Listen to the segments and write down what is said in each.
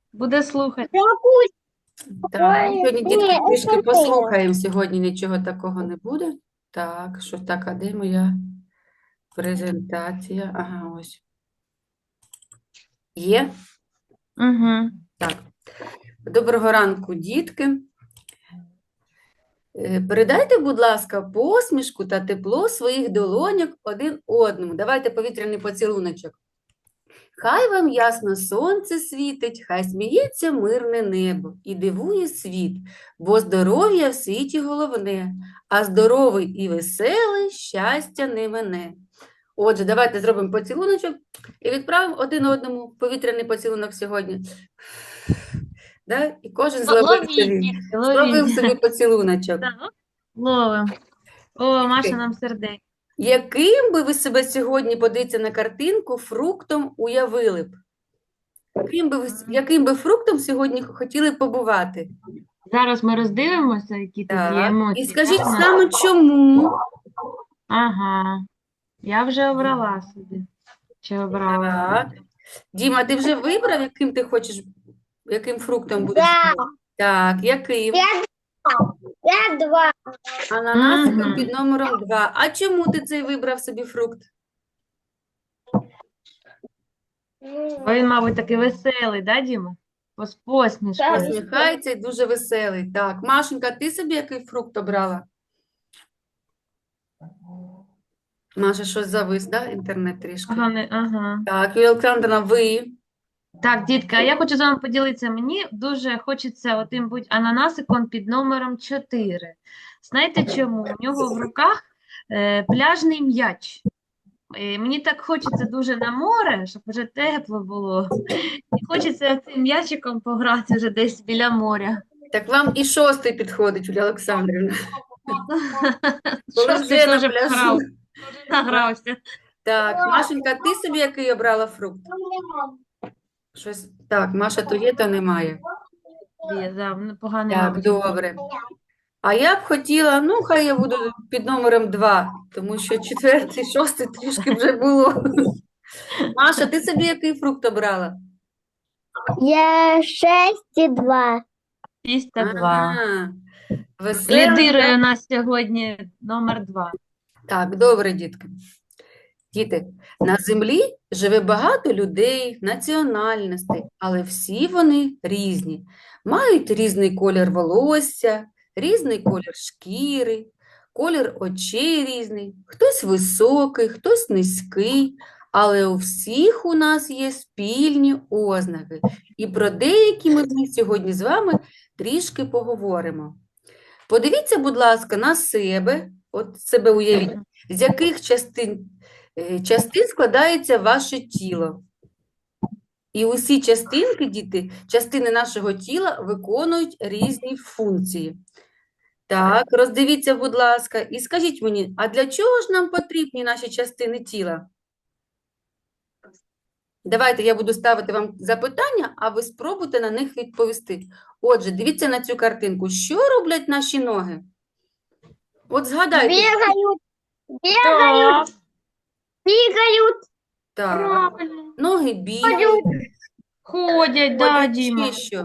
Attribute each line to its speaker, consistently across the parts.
Speaker 1: Буде слухати.
Speaker 2: Так,
Speaker 3: Ой,
Speaker 2: сьогодні,
Speaker 3: ні,
Speaker 2: дітки, трішки
Speaker 3: це
Speaker 2: послухаємо. Сьогодні нічого такого не буде. Так, що так, а де моя презентація? Ага, ось. Є?
Speaker 1: Угу.
Speaker 2: Так. Доброго ранку, дітки. Передайте, будь ласка, посмішку та тепло своїх долоньок один одному. Давайте повітряний поцілуночок. Хай вам ясно сонце світить, хай сміється мирне небо і дивує світ, бо здоров'я в світі головне, а здоровий і веселий щастя не мине. Отже, давайте зробимо поцілуночок і відправимо один одному повітряний поцілунок сьогодні. Да? І кожен зловив
Speaker 1: Ловіть,
Speaker 2: собі,
Speaker 1: дітки,
Speaker 2: зловив
Speaker 1: ловіть.
Speaker 2: собі поцілуночок.
Speaker 1: Так, ловимо. О, Маша нам сердечко.
Speaker 2: Яким би ви себе сьогодні, подивіться на картинку, фруктом уявили б? Яким би фруктом сьогодні хотіли б побувати?
Speaker 1: Зараз ми роздивимося, які тут є
Speaker 2: Так. І
Speaker 1: емоції.
Speaker 2: скажіть
Speaker 1: Так, Маша?
Speaker 2: саме чому?
Speaker 1: Ага. Я вже обрала собі. Чи обрала?
Speaker 2: Так. Діма, ти вже вибрав, яким ти хочеш, яким фруктом будеш?
Speaker 3: Да.
Speaker 2: Так, яким?
Speaker 3: Я два.
Speaker 2: Ананасиком
Speaker 1: Мгм.
Speaker 2: під номером 2. А чому ти цей вибрав собі фрукт?
Speaker 1: Бо він, мабуть, такий веселий, да, Діма? З посмішкою.
Speaker 3: Так.
Speaker 2: Посміхається і дуже веселий. Так, Машенька, ти собі який фрукт обрала? Маша, щось завис, да? Інтернет трішки.
Speaker 1: Ага.
Speaker 2: Так, Юлія Олександровна, ви?
Speaker 1: Так, дітка, а я хочу з вами поділитися. Мені дуже хочеться отим бути ананасиком під номером 4. Знаєте чому? У нього в руках пляжний м'яч. Мені так хочеться дуже на море, щоб вже тепло було. І хочеться цим м'ячиком пограти вже десь біля моря.
Speaker 2: Так вам і 6 підходить, Юлія Олександрівна. Коли
Speaker 1: Шостий
Speaker 2: вже на
Speaker 1: теж
Speaker 2: пляжу.
Speaker 1: пограв, награвся.
Speaker 2: Так, Машенька, ти собі який обрала фрукт? Щось... Так, Маша то є, то немає.
Speaker 1: Є, да, поганий,
Speaker 2: Так,
Speaker 1: мабуть.
Speaker 2: добре. А я б хотіла, ну, хай я буду під номером 2, тому що 4, 6 трішки вже було. Маша, ти собі який фрукт обрала?
Speaker 3: Я 6,2.
Speaker 1: 602.
Speaker 2: Ага, веселий,
Speaker 1: Лідирує
Speaker 2: так?
Speaker 1: у нас сьогодні номер 2.
Speaker 2: Так, добре, дітки. Діти, на землі живе багато людей, національностей, але всі вони різні. Мають різний колір волосся, різний колір шкіри, колір очей різний. Хтось високий, хтось низький, але у всіх у нас є спільні ознаки. І про деякі ми з них сьогодні з вами трішки поговоримо. Подивіться, будь ласка, на себе, от себе уявіть, з яких частин складається ваше тіло. І усі частинки, діти, частини нашого тіла виконують різні функції. Так, роздивіться, будь ласка, і скажіть мені, а для чого ж нам потрібні наші частини тіла? Давайте я буду ставити вам запитання, а ви спробуйте на них відповісти. Отже, дивіться на цю картинку. Що роблять наші ноги? От згадайте.
Speaker 3: Бегают,
Speaker 1: Так,
Speaker 3: бегают.
Speaker 2: Так,
Speaker 1: правильно.
Speaker 2: ноги бігають,
Speaker 1: Ходять, да,
Speaker 2: ходять,
Speaker 1: Діма.
Speaker 2: ще що?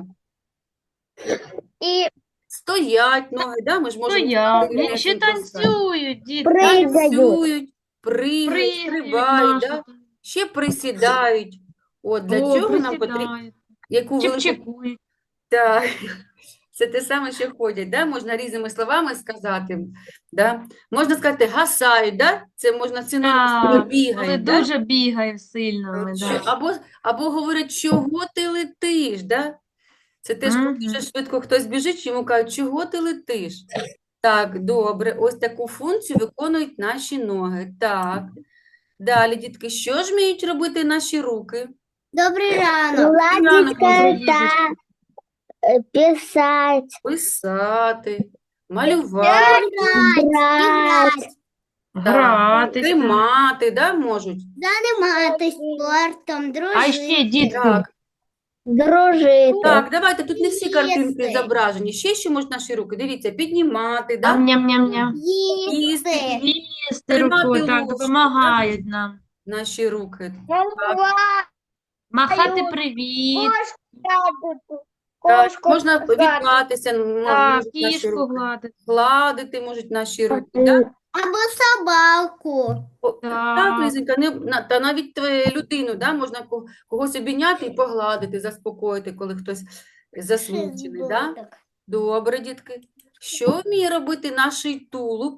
Speaker 3: И
Speaker 2: Стоять ноги, да? Ми ж можемо
Speaker 1: Стоять.
Speaker 2: стояти,
Speaker 1: Ще
Speaker 2: поставити.
Speaker 1: танцюють, дітки.
Speaker 3: Прыгают.
Speaker 2: Танцюють, пригають,
Speaker 1: Пригають,
Speaker 2: стрибають,
Speaker 1: Маша.
Speaker 2: да? Ще присідають. От для
Speaker 1: О,
Speaker 2: чого нам потрібно,
Speaker 1: присідають.
Speaker 2: яку велику...
Speaker 1: Чик-чикують.
Speaker 2: Так, це те саме, що ходять, да? Можна різними словами сказати, да? Можна сказати гасають, да? Це можна синонім слова
Speaker 1: Так, коли
Speaker 2: бігають, да?
Speaker 1: дуже бігає сильно. ми, да.
Speaker 2: Або говорять, чого ти летиш, да? Це теж, коли
Speaker 1: Мгм.
Speaker 2: дуже швидко хтось біжить, йому кажуть, чого ти летиш? Так, добре, ось таку функцію виконують наші ноги. Так, далі, дітки, що ж вміють робити наші руки?
Speaker 3: добрый ранок.
Speaker 2: Ранок
Speaker 3: Гладить
Speaker 2: можна
Speaker 3: кота, писать,
Speaker 2: Писати, малювати,
Speaker 3: играть,
Speaker 1: Гратися.
Speaker 2: тримати, да, можуть?
Speaker 3: заниматься спортом,
Speaker 1: А ще, дітки,
Speaker 2: Так,
Speaker 3: дружить,
Speaker 2: так, давайте, тут не всі картинки
Speaker 3: Їсти.
Speaker 2: зображені. Ще що можуть наші руки? Дивіться, піднімати, да?
Speaker 1: ням-ням-ням.
Speaker 2: Їсти,
Speaker 1: Їсти
Speaker 2: Тримати
Speaker 1: рукою, так,
Speaker 2: ложку,
Speaker 1: допомагають нам.
Speaker 2: наші руки.
Speaker 1: Махати
Speaker 3: Ой,
Speaker 1: привіт.
Speaker 2: Так,
Speaker 3: Кошку
Speaker 2: можна
Speaker 3: гладити.
Speaker 2: відклатися,
Speaker 1: Так,
Speaker 2: можуть наші
Speaker 1: кішку
Speaker 2: руки.
Speaker 1: гладити.
Speaker 2: Гладити можуть наші руки, да?
Speaker 3: Або собаку.
Speaker 2: Так,
Speaker 1: Так.
Speaker 2: Лізенька, та навіть людину, да? Можна когось обійняти і погладити, заспокоїти, коли хтось засмучений, да?
Speaker 3: Шизботок.
Speaker 2: Добре, дітки. Що вміє робити наш тулуб?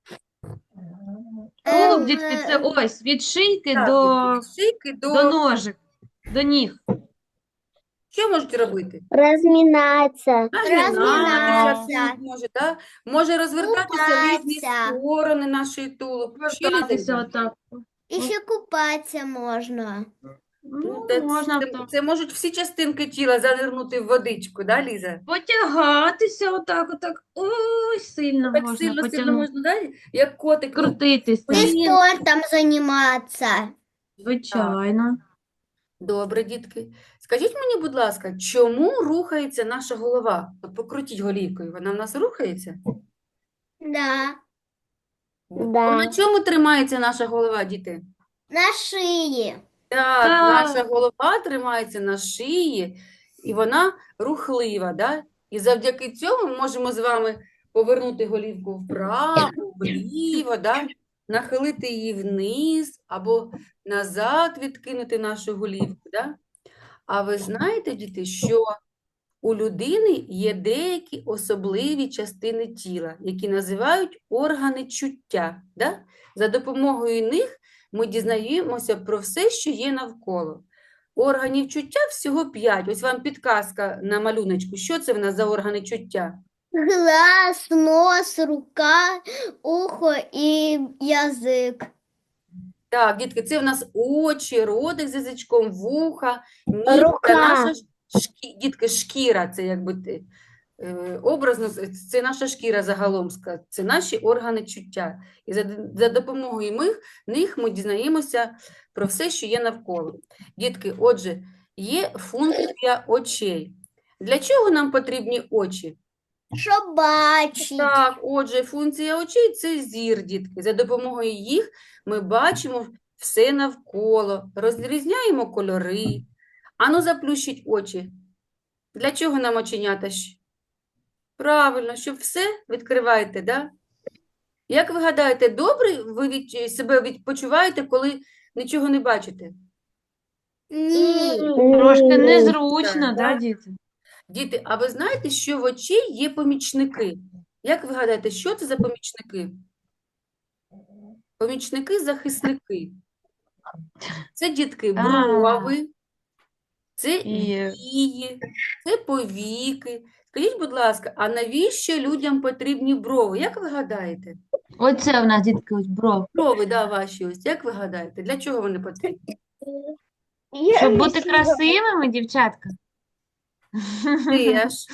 Speaker 1: Тулуб, дітки, це ось від шийки
Speaker 2: Так,
Speaker 1: до,
Speaker 2: дітки, від шийки
Speaker 1: до ножик, до ніг.
Speaker 2: Що можуть робити?
Speaker 3: Розмінатися.
Speaker 2: Нагинатися може, да? Може розвертатися в різні
Speaker 3: Купатися.
Speaker 2: сторони наш тулуб. Ще,
Speaker 1: Вертатися
Speaker 2: Лізенька?
Speaker 1: отак.
Speaker 3: І ще купатися можна.
Speaker 1: Ну,
Speaker 2: Та
Speaker 1: можна
Speaker 2: це,
Speaker 1: так.
Speaker 2: це можуть всі частинки тіла занирнути в водичку, да, Ліза?
Speaker 1: Потягатися отак. Ой, сильно
Speaker 2: Так
Speaker 1: можна
Speaker 2: сильно
Speaker 1: потягнути.
Speaker 2: можна, да? Як котик.
Speaker 1: Крутитися.
Speaker 3: І спортом займатися.
Speaker 1: Звичайно.
Speaker 2: Добре, дітки. Скажіть мені, будь ласка, чому рухається наша голова? От покрутіть голівкою, вона в нас рухається?
Speaker 3: Да.
Speaker 2: На чому тримається наша голова, діти?
Speaker 3: На шиї.
Speaker 2: Так,
Speaker 1: Так.
Speaker 2: наша голова тримається на шиї, і вона рухлива, да? І завдяки цьому ми можемо з вами повернути голівку вправо, вліво, да? Нахилити її вниз або назад відкинути нашу голівку, да? А ви знаєте, діти, що у людини є деякі особливі частини тіла, які називають органи чуття, да? За допомогою них ми дізнаємося про все, що є навколо. Органів чуття всього 5. Ось вам підказка на малюночку. Що це в нас за органи чуття?
Speaker 3: Глаз, нос, рука, ухо і язик.
Speaker 2: Так, дітки, це в нас очі, ротик з язичком, вуха, ніс та
Speaker 3: Рука.
Speaker 2: наша дітки, шкіра, це якби образно, це наша шкіра загалом, це наші органи чуття. І за допомогою них ми дізнаємося про все, що є навколо. Дітки, отже, є функція очей. Для чого нам потрібні очі?
Speaker 3: Щоб бачити.
Speaker 2: Так, отже, функція очей – це зір, дітки. За допомогою їх ми бачимо все навколо, розрізняємо кольори. Ану, заплющіть очі. Для чого нам оченята? Правильно, щоб все відкриваєте, да? Як ви гадаєте, добре ви себе почуваєте, коли нічого не бачите?
Speaker 3: Ні.
Speaker 1: Трошки незручно,
Speaker 2: Так,
Speaker 1: да,
Speaker 2: так.
Speaker 1: діти?
Speaker 2: Діти, а ви знаєте, що в очі є помічники? Як ви гадаєте, що це за помічники? Помічники-захисники. Це, дітки, брови, це
Speaker 1: І-
Speaker 2: вії, це повіки. Скажіть, будь ласка, а навіщо людям потрібні брови? Як ви гадаєте?
Speaker 1: Оце в нас, дітки, ось бров.
Speaker 2: Брови, да, ваші ось. Як ви гадаєте, для чого вони потрібні?
Speaker 1: Щоб бути красивими, дівчатка.
Speaker 2: Теж.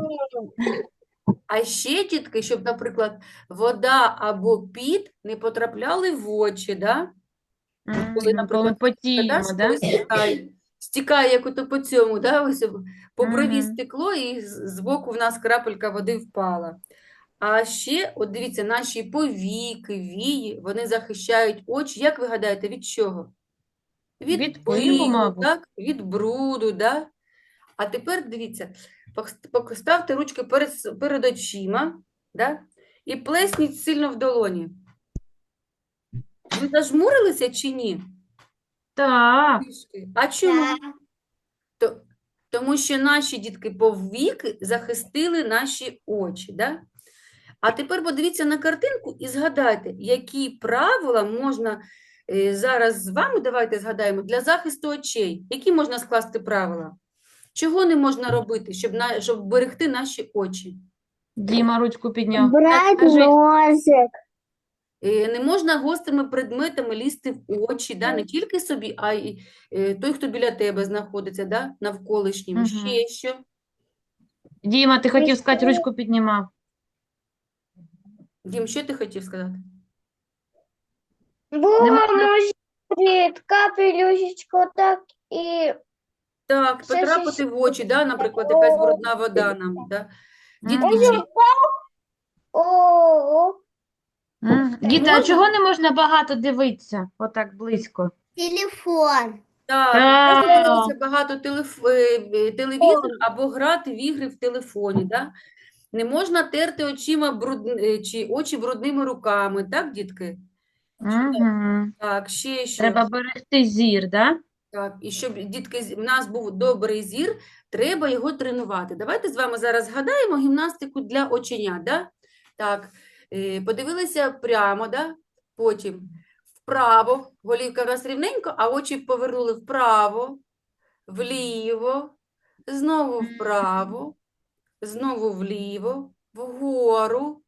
Speaker 2: А ще, дітки, щоб, наприклад, вода або піт не потрапляли в очі, да? Коли,
Speaker 1: Коли
Speaker 2: наприклад,
Speaker 1: потіємо,
Speaker 2: коли
Speaker 1: да?
Speaker 2: стікає як ото по цьому, да? Ось по брові
Speaker 1: Мгм.
Speaker 2: стекло, і збоку в нас крапелька води впала. А ще, от дивіться, наші повіки, вії, вони захищають очі. Як ви гадаєте, від чого?
Speaker 1: Від пилу,
Speaker 2: пилу,
Speaker 1: мабуть.
Speaker 2: так? Від бруду, да? А тепер дивіться, поставте ручки перед очима, да? І плесніть сильно в долоні. Ви зажмурилися чи ні?
Speaker 1: Так.
Speaker 2: Трішки. А чому? Тому що наші дітки повіки захистили наші очі, да? А тепер подивіться на картинку і згадайте, які правила можна зараз з вами, давайте згадаємо, для захисту очей. Які можна скласти правила? Чого не можна робити, щоб берегти наші очі?
Speaker 1: Діма ручку підняв.
Speaker 3: Брать
Speaker 1: Скажи.
Speaker 3: ножик.
Speaker 2: Не можна гострими предметами лізти в очі, да? Не тільки собі, а й той, хто біля тебе знаходиться, да? Навколишнім.
Speaker 1: Мгм.
Speaker 2: Ще що?
Speaker 1: Діма, ти хотів сказати, ручку піднімав.
Speaker 2: Дім, що ти хотів сказати?
Speaker 3: Ножик, капелюшечку так і...
Speaker 2: Так,
Speaker 3: Ще
Speaker 2: потрапити в очі, да? Наприклад, якась брудна вода нам. Да? Дітки,
Speaker 1: Мгм.
Speaker 3: О,
Speaker 1: Діти, а
Speaker 2: Можна?
Speaker 1: чого не можна багато дивитися отак близько?
Speaker 3: телефон.
Speaker 2: Так,
Speaker 1: Так.
Speaker 2: можна дивитися багато телевізор або грати в ігри в телефоні, да? Не можна терти очима чи очі брудними руками, так, дітки?
Speaker 1: Угу.
Speaker 2: Так, ще що?
Speaker 1: Треба берегти зір, да?
Speaker 2: Так, і щоб, дітки, в нас був добрий зір, треба його тренувати. Давайте з вами зараз згадаємо гімнастику для оченят, да? Так, подивилися прямо, да? Потім вправо, голівка у нас рівненько, а очі повернули вправо, вліво, знову вправо, знову вліво, вгору,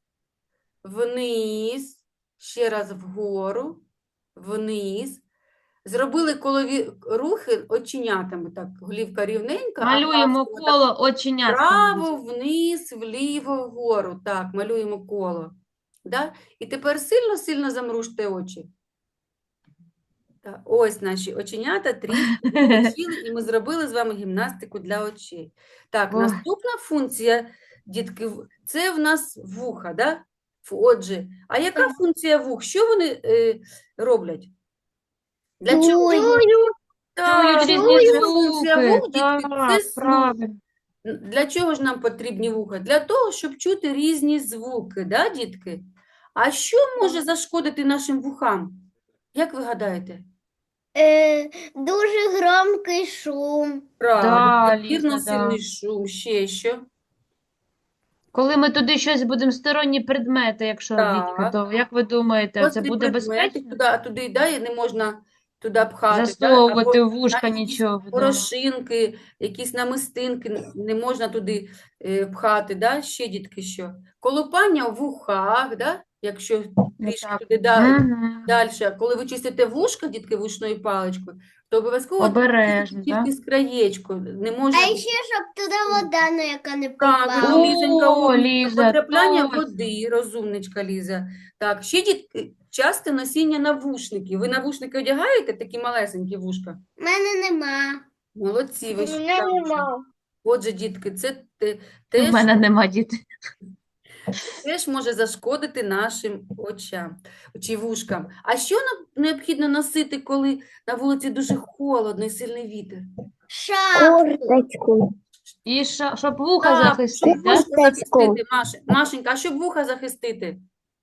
Speaker 2: вниз, ще раз вгору, вниз. Зробили колові рухи оченятами, так, голівка рівненька, а
Speaker 1: Малюємо
Speaker 2: пальцями так
Speaker 1: коло оченятками.
Speaker 2: вправо, вниз, вліво, вгору. Так, малюємо коло. Да? І тепер сильно-сильно замружте очі. Так, ось наші оченята трішки відпочили, і ми зробили з вами гімнастику для очей. Так,
Speaker 1: Ой.
Speaker 2: наступна функція, дітки, це в нас вуха, да? Отже, а яка функція вух? Що вони роблять? Для чого? Так,
Speaker 1: Чують
Speaker 2: ось
Speaker 1: різні
Speaker 2: функція
Speaker 1: звуки.
Speaker 2: вух, дітки, це
Speaker 1: Так,
Speaker 2: слух.
Speaker 1: правильно.
Speaker 2: Для чого ж нам потрібні вуха? Для того, щоб чути різні звуки, да, дітки? А що може зашкодити нашим вухам? Як ви гадаєте?
Speaker 3: Дуже громкий шум.
Speaker 2: Правильно,
Speaker 1: Да,
Speaker 2: надмірно
Speaker 1: Ліза, да.
Speaker 2: сильний шум, ще що?
Speaker 1: Коли ми туди щось будемо, сторонні предмети, якщо Вітька,
Speaker 2: Так.
Speaker 1: то як ви думаєте, це
Speaker 2: Гострі
Speaker 1: буде
Speaker 2: предмети,
Speaker 1: безпечно?
Speaker 2: туди да, і не можна туди пхати, да?
Speaker 1: Засовувати
Speaker 2: Або
Speaker 1: в вушка
Speaker 2: навіть якісь
Speaker 1: нічого, да.
Speaker 2: порошинки, якісь намистинки не можна туди пхати, да? Ще, дітки, що? Колупання в вухах, да? Якщо трішки
Speaker 1: Отак.
Speaker 2: туди
Speaker 1: Мгм.
Speaker 2: далі. Коли ви чистите вушка, дітки, вушною паличкою, то обов'язково
Speaker 1: Обережно,
Speaker 2: чистите
Speaker 1: да?
Speaker 2: тільки з краєчку. Не
Speaker 3: А
Speaker 2: може
Speaker 3: ще, щоб туди вода ніяка не
Speaker 2: правильно,
Speaker 3: попала.
Speaker 2: Лізонька,
Speaker 1: О,
Speaker 2: умничка,
Speaker 1: Ліза,
Speaker 2: потрапляння
Speaker 1: точно.
Speaker 2: води, розумничка Ліза. Так, ще дітки, часте носіння навушників. Ви навушники одягаєте, такі малесенькі вушка?
Speaker 3: У мене нема.
Speaker 2: Молодці, ви
Speaker 3: У
Speaker 2: ще
Speaker 3: мене
Speaker 2: там.
Speaker 3: нема.
Speaker 2: Отже, дітки, це
Speaker 1: У
Speaker 2: теж,
Speaker 1: мене нема дітей.
Speaker 2: теж може зашкодити нашим очам, чи вушкам. А що нам необхідно носити, коли на вулиці дуже холодно і сильний вітер?
Speaker 3: Курточку.
Speaker 1: І щоб вуха
Speaker 2: Так,
Speaker 1: захистити,
Speaker 2: щоб
Speaker 1: да?
Speaker 2: вушка захистити, Машенька, а щоб вуха захистити?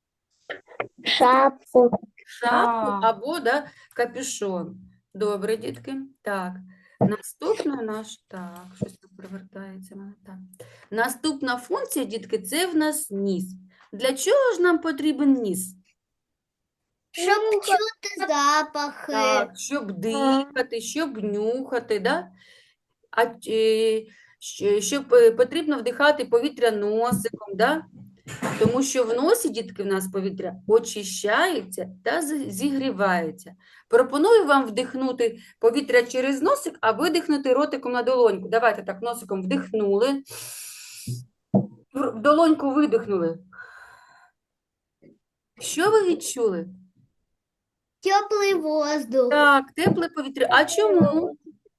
Speaker 3: Шапку.
Speaker 2: Шапку
Speaker 1: Так.
Speaker 2: або да, капюшон. Добре, дітки. Так. Наступна так, щось тут привертається. Так. Наступна функція, дітки, це в нас ніс. Для чого ж нам потрібен ніс?
Speaker 3: Щоб чути запахи.
Speaker 2: Так, щоб дихати, щоб нюхати, да? Щоб потрібно вдихати повітря носиком, да? Тому що в носі, дітки, в нас повітря очищається та зігрівається. Пропоную вам вдихнути повітря через носик, а видихнути ротиком на долоньку. Давайте так, носиком вдихнули, в долоньку видихнули. Що ви відчули?
Speaker 3: Теплий воздух.
Speaker 2: Так, тепле повітря. А чому?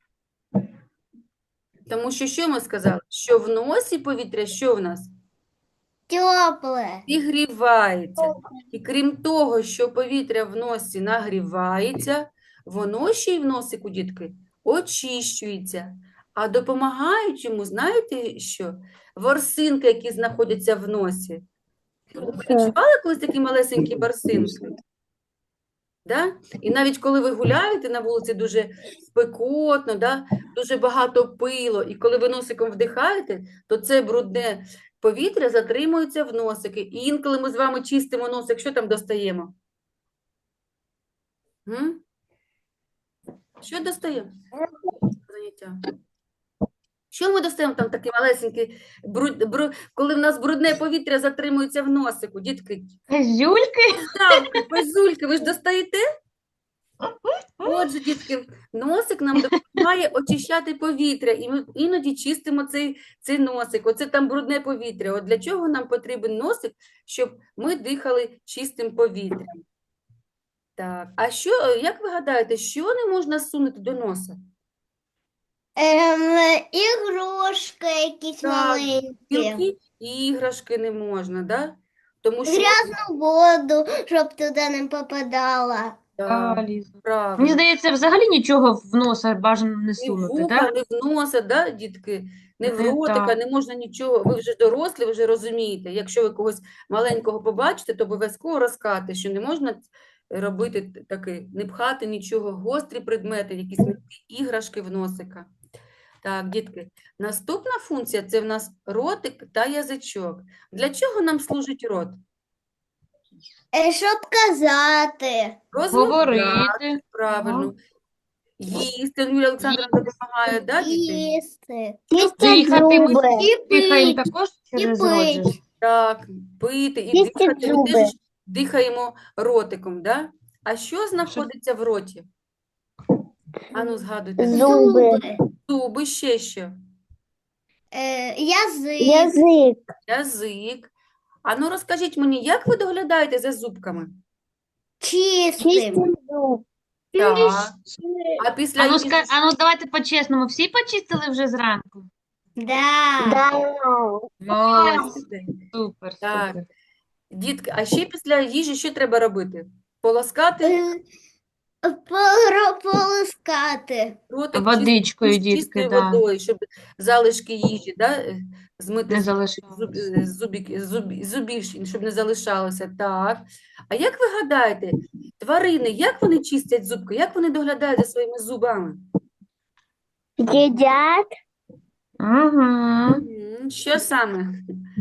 Speaker 2: Тому що ми сказали? Що в носі повітря, що в нас?
Speaker 3: Тепле.
Speaker 2: Зігрівається. І крім того, що повітря в носі нагрівається, воно ще й в носику, дітки, очищується. А допомагають йому, знаєте що? Ворсинки, які знаходяться в носі. Ви відчували колись такі малесенькі ворсинки? Да? І навіть коли ви гуляєте на вулиці дуже спекотно, да? Дуже багато пилу, і коли ви носиком вдихаєте, то це брудне повітря затримується в носики. І інколи ми з вами чистимо носик, що там достаємо? Що достаємо? Заняття. Що ми достаємо там такі малесенькі, коли в нас брудне повітря затримується в носику, дітки?
Speaker 1: Зюльки?
Speaker 2: Ставки, пазульки, ви ж достаєте? Отже, дітки, носик нам допомагає очищати повітря, і ми іноді чистимо цей носик. Оце там брудне повітря. От для чого нам потрібен носик, щоб ми дихали чистим повітрям? Так, а як ви гадаєте, що не можна сунути до носа?
Speaker 3: Ігрушки якісь
Speaker 2: Так,
Speaker 3: маленькі.
Speaker 2: Мілкі іграшки не можна, да? Тому що
Speaker 3: Грязну воду, щоб туди не попадала.
Speaker 2: Так,
Speaker 1: Мені
Speaker 2: правильно.
Speaker 1: здається, взагалі нічого в носа бажано не
Speaker 2: Ні в
Speaker 1: сунути,
Speaker 2: вуха,
Speaker 1: так?
Speaker 2: ні в носа, да, дітки, ні в
Speaker 1: Не
Speaker 2: ротика,
Speaker 1: так.
Speaker 2: не можна нічого. Ви вже дорослі, ви вже розумієте. Якщо ви когось маленького побачите, то обов'язково розкажете, що не можна робити таке, не пхати нічого, гострі предмети, якісь м'які іграшки в носика. Так, дітки, наступна функція – це в нас ротик та язичок. Для чого нам служить рот?
Speaker 3: Щоб казати.
Speaker 2: Розмовляти,
Speaker 1: Говорити.
Speaker 2: правильно. Їсти, Юлія Олександровна допомагає, да, діти?
Speaker 3: Їсти.
Speaker 1: Дихати ми
Speaker 3: І
Speaker 1: дихаємо
Speaker 3: пить.
Speaker 1: також
Speaker 3: І
Speaker 1: через рот же ж.
Speaker 3: пить.
Speaker 2: Так, пити і
Speaker 3: Чистить
Speaker 2: дихати. Ми
Speaker 3: зуби.
Speaker 2: теж дихаємо ротиком, да? А що знаходиться в роті? Ану, згадуйте.
Speaker 3: Зуби.
Speaker 2: Зуби, ще що?
Speaker 3: Язик.
Speaker 2: Язик. Ану, розкажіть мені, як ви доглядаєте за зубками?
Speaker 3: Чистим.
Speaker 2: Так. А після
Speaker 1: Ану,
Speaker 2: їжі
Speaker 1: ану, давайте по-чесному. Всі почистили вже зранку?
Speaker 3: Да.
Speaker 1: Молодці. Супер,
Speaker 2: Так.
Speaker 1: супер.
Speaker 2: Дітки, а ще після їжі що треба робити? Полоскати
Speaker 3: Полоскати.
Speaker 2: ротик
Speaker 1: Водичкою, дітки,
Speaker 2: чистою
Speaker 1: да.
Speaker 2: водою, щоб залишки їжі, да, змити
Speaker 1: Не
Speaker 2: з
Speaker 1: залишалося.
Speaker 2: зубів, щоб не залишалося. Так. А як ви гадаєте, тварини, як вони чистять зубки? Як вони доглядають за своїми зубами?
Speaker 3: Їдять.
Speaker 1: Угу.
Speaker 2: Що саме?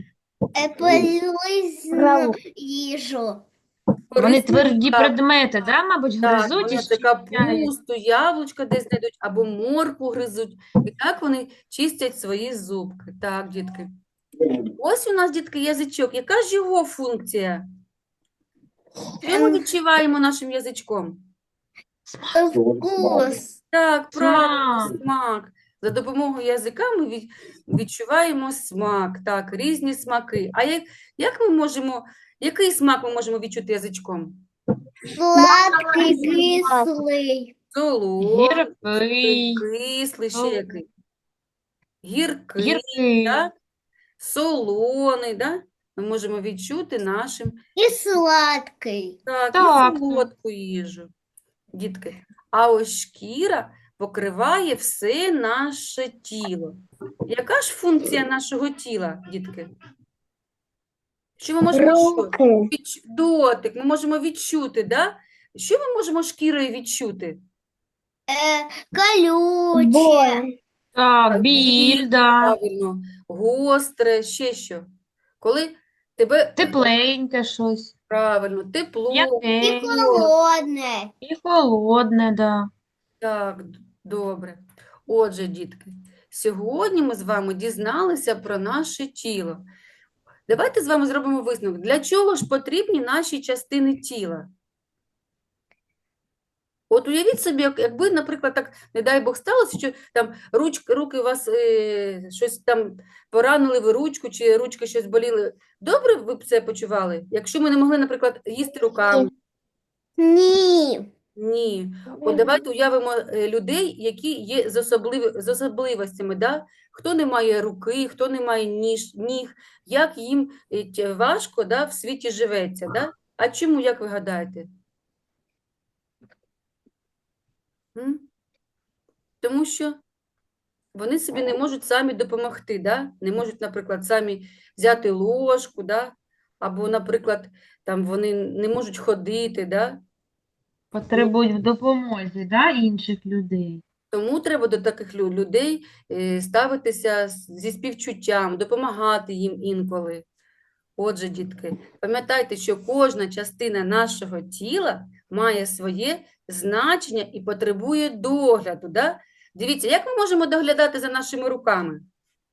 Speaker 3: Полізну їжу.
Speaker 1: Вони
Speaker 2: Корисні,
Speaker 1: тверді
Speaker 2: так.
Speaker 1: предмети, да, мабуть,
Speaker 2: Так,
Speaker 1: гризуть і
Speaker 2: вони це
Speaker 1: щіпляють.
Speaker 2: капусту, яблучко десь знайдуть, або моркву гризуть. І так вони чистять свої зубки. Так, дітки. Ось у нас, дітки, язичок. Яка ж його функція? Що ми відчуваємо нашим язичком?
Speaker 3: Вкус.
Speaker 2: Так, правильно,
Speaker 1: Смак.
Speaker 2: смак. За допомогою язика ми відчуваємо смак. Так, різні смаки. А як ми можемо, який смак ми можемо відчути язичком?
Speaker 3: Сладкий, кислий.
Speaker 2: Солодкий,
Speaker 1: Гіркий,
Speaker 2: кислий, ще
Speaker 1: солодкий.
Speaker 2: який? Гіркий,
Speaker 1: гіркий.
Speaker 2: так? Солоний, да? Ми можемо відчути нашим,
Speaker 3: І сладкий.
Speaker 2: так,
Speaker 1: Так,
Speaker 2: і солодку їжу. Дітки, а ось шкіра покриває все наше тіло. Яка ж функція нашого тіла, дітки? Що ми можемо дотик, ми можемо відчути, да? Що ми можемо шкірою відчути?
Speaker 3: Колюче.
Speaker 1: Так, біль, да.
Speaker 2: Правильно, гостре, ще що? Коли тебе
Speaker 1: Тепленьке щось.
Speaker 2: правильно, тепло,
Speaker 3: І
Speaker 1: М'яке.
Speaker 3: холодне.
Speaker 1: І холодне, да.
Speaker 2: так, добре. Отже, дітки, сьогодні ми з вами дізналися про наше тіло. Давайте з вами зробимо висновок. Для чого ж потрібні наші частини тіла? От уявіть собі, якби, наприклад, так, не дай Бог, сталося, що там руки у вас щось там поранили ви ручку, чи ручки щось боліли. Добре ви б це почували? Якщо ми не могли, наприклад, їсти руками?
Speaker 3: Ні.
Speaker 2: Ні. От давайте уявимо людей, які є з особливостями, да? Хто не має руки, хто не має ніг, як їм важко, да, в світі живеться, да? А чому, як ви гадаєте? Тому що вони собі не можуть самі допомогти, да? Не можуть, наприклад, самі взяти ложку, да? Або, наприклад, там вони не можуть ходити, да?
Speaker 1: Потребують в допомозі, да, інших людей.
Speaker 2: Тому треба до таких людей ставитися зі співчуттям, допомагати їм інколи. Отже, дітки, пам'ятайте, що кожна частина нашого тіла має своє значення і потребує догляду. Да? Дивіться, як ми можемо доглядати за нашими руками?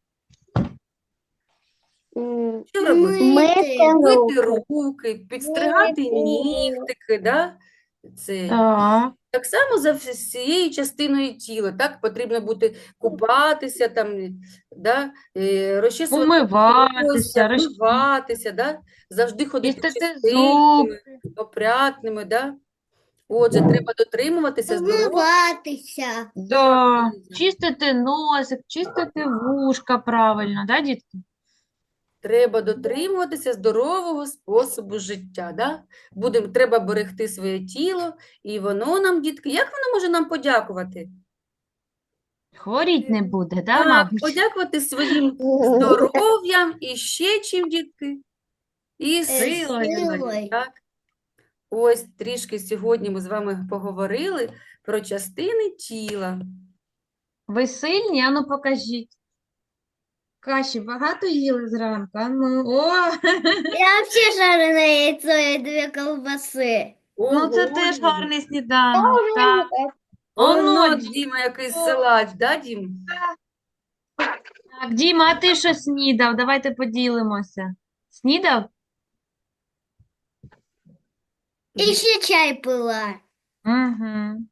Speaker 2: Що робити? Мити руки, підстригати нігтики, да? Це.
Speaker 1: Так.
Speaker 2: Так само за всією частиною тіла, так? Потрібно бути купатися, там, да? Розчісувати
Speaker 1: Умиватися,
Speaker 2: волосся, вмиватися, да? Завжди ходити
Speaker 1: чистити
Speaker 2: чистенькими, опрятними, да? Отже, треба дотримуватися здоров'я.
Speaker 3: Вмиватися.
Speaker 1: Да. Чистити носик, чистити вушка правильно, да, дітки?
Speaker 2: Треба дотримуватися здорового способу життя. Да? Треба берегти своє тіло, і воно нам, дітки, як воно може нам подякувати?
Speaker 1: Хворіть не буде, да,
Speaker 2: Так,
Speaker 1: мабуть?
Speaker 2: подякувати своїм здоров'ям і ще чим, дітки? І
Speaker 1: Силою.
Speaker 3: силою.
Speaker 2: так? Ось трішки сьогодні ми з вами поговорили про частини тіла.
Speaker 1: Ви сильні? Ану, покажіть. Каші багато їли зранку? Ану, о!
Speaker 3: Я вообще жареное яйцо и 2 колбасы.
Speaker 1: Ну, це
Speaker 2: Ого,
Speaker 1: теж
Speaker 2: Діма.
Speaker 1: гарний сніданок, так.
Speaker 2: Оно,
Speaker 1: Дім.
Speaker 2: Діма, якийсь силач, да, Дім?
Speaker 1: Так, Діма, а ти що снідав? Давайте поділимося. Снідав?
Speaker 3: Еще чай пила.
Speaker 1: Угу.